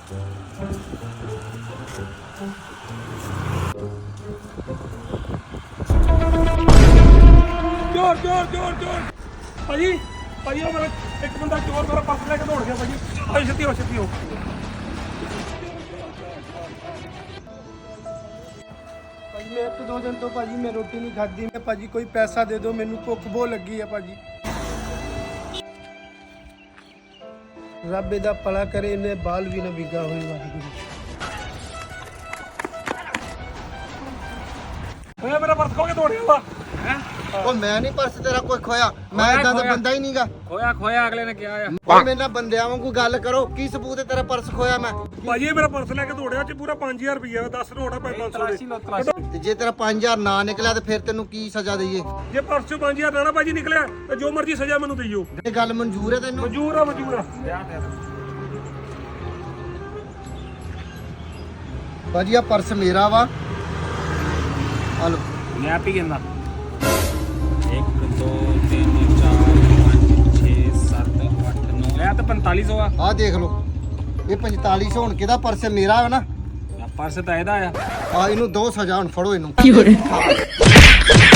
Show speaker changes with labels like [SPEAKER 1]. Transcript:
[SPEAKER 1] ਚੋਰ ਚੋਰ ਚੋਰ ਚੋਰ ਭਾਜੀ ਭਾਜੀ ਉਹ ਮੇਰਾ ਇੱਕ ਬੰਦਾ ਚੋਰ ਮੇਰਾ ਪਰਸ ਲੈ ਕੇ ਦੌੜ ਗਿਆ ਭਾਜੀ। ਭਾਈ ਛੇਤੀ ਹੋ ਛੇਤੀ ਹੋ।
[SPEAKER 2] ਭਾਜੀ ਮੈਂ 1-2 ਦਿਨ ਤੋਂ ਭਾਜੀ ਮੈਂ ਰੋਟੀ ਨਹੀਂ ਖਾਧੀ। ਮੈਂ ਭਾਜੀ ਕੋਈ ਪੈਸਾ ਦੇ ਦਿਓ, ਮੈਨੂੰ ਭੁੱਖ ਬਹੁਤ ਲੱਗੀ ਹੈ ਭਾਜੀ। ਰੱਬ ਇਹਦਾ ਭਲਾ ਕਰੇ, ਇਹਨੇ ਬਾਲ ਵੀ ਨਾ ਵਿਗਾ ਹੋਏ ਵਾਹਿਗੁਰੂ।
[SPEAKER 1] ਓਏ ਮੇਰਾ ਪਰਸ ਖੋ ਕੇ ਦੌੜ ਗਿਆ ਵਾ।
[SPEAKER 3] ਉਹ ਮੈਂ ਨਹੀਂ ਪਰਸ ਤੇਰਾ ਕੋਈ ਖੋਇਆ, ਮੈਂ ਇਦਾਂ ਦਾ ਬੰਦਾ ਹੀ ਨਹੀਂਗਾ।
[SPEAKER 4] ਖੋਇਆ ਖੋਇਆ ਅਗਲੇ ਨੇ ਕਿਹਾ ਆ।
[SPEAKER 3] ਉਹ ਮੇਰੇ ਨਾਲ ਬੰਦਿਆਂ ਵਾਂਗੂ ਗੱਲ ਕਰੋ, ਕੀ ਸਬੂਤ ਹੈ ਤੇਰਾ ਪਰਸ ਖੋਇਆ ਮੈਂ?
[SPEAKER 1] ਭਾਜੀ ਇਹ ਮੇਰਾ ਪਰਸ ਲੈ ਕੇ ਦੌੜਿਆ ਚ ਪੂਰਾ 5000 ਰੁਪਇਆ 10 ਨੋਟ ਆ 500 ਦੇ।
[SPEAKER 3] ਤੇ ਜੇ ਤੇਰਾ 5000 ਨਾ ਨਿਕਲਿਆ ਤੇ ਫਿਰ ਤੈਨੂੰ ਕੀ ਸਜ਼ਾ ਦਈਏ?
[SPEAKER 1] ਜੇ ਪਰਸ ਚੋਂ 5000 ਨਾ ਭਾਜੀ ਨਿਕਲਿਆ ਤੇ ਜੋ ਮਰਜ਼ੀ ਸਜ਼ਾ ਮੈਨੂੰ ਦਈਓ।
[SPEAKER 3] ਇਹ ਗੱਲ ਮਨਜ਼ੂਰ ਹੈ ਤੈਨੂੰ?
[SPEAKER 1] ਮਨਜ਼ੂਰ ਆ ਮਨਜ਼ੂਰ ਆ।
[SPEAKER 3] ਭਾਜੀ ਆ ਪਰਸ ਮੇਰਾ ਵਾ, ਆ ਲਓ।
[SPEAKER 4] ਮੈਂ ਆਪ ਹੀ ਕਹਿੰਦਾ 1 2 3 4 5 6 7 8 9 ਇਹ ਤਾਂ 4500 ਆ।
[SPEAKER 3] ਆਹ ਦੇਖ ਲਓ, ਇਹ 4500 ਹੁਣ ਕਿਹਦਾ ਪਰਸ ਹੈ? ਮੇਰਾ ਹੈ ਨਾ।
[SPEAKER 4] ਪਰਸ ਤਾਂ ਇਹਦਾ ਆ।
[SPEAKER 3] ਆ ਇਹਨੂੰ ਦੋ ਸਜ਼ਾ, ਹੁਣ ਫੜੋ ਇਹਨੂੰ।